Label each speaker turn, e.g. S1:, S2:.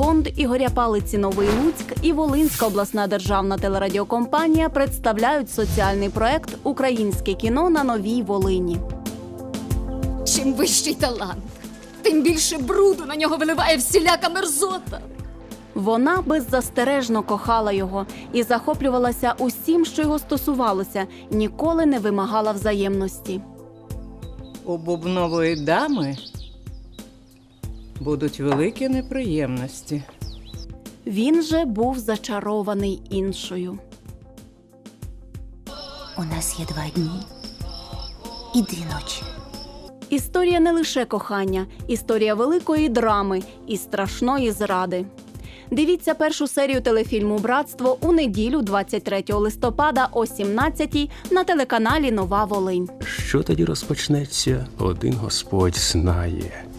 S1: фонд Ігоря Палиці «Новий Луцьк» і Волинська обласна державна телерадіокомпанія представляють соціальний проект «Українське кіно на Новій Волині».
S2: Чим вищий талант, тим більше бруду на нього виливає всіляка мерзота.
S1: Вона беззастережно кохала його і захоплювалася усім, що його стосувалося, ніколи не вимагала взаємності.
S3: У бубнової дами будуть великі неприємності.
S1: Він же був зачарований іншою.
S4: У нас є 2 дні і 2 ночі.
S1: Історія не лише кохання, історія великої драми і страшної зради. Дивіться першу серію телефільму «Братство» у неділю 23 листопада о 17-й на телеканалі «Нова Волинь».
S5: Що тоді розпочнеться, один Господь знає.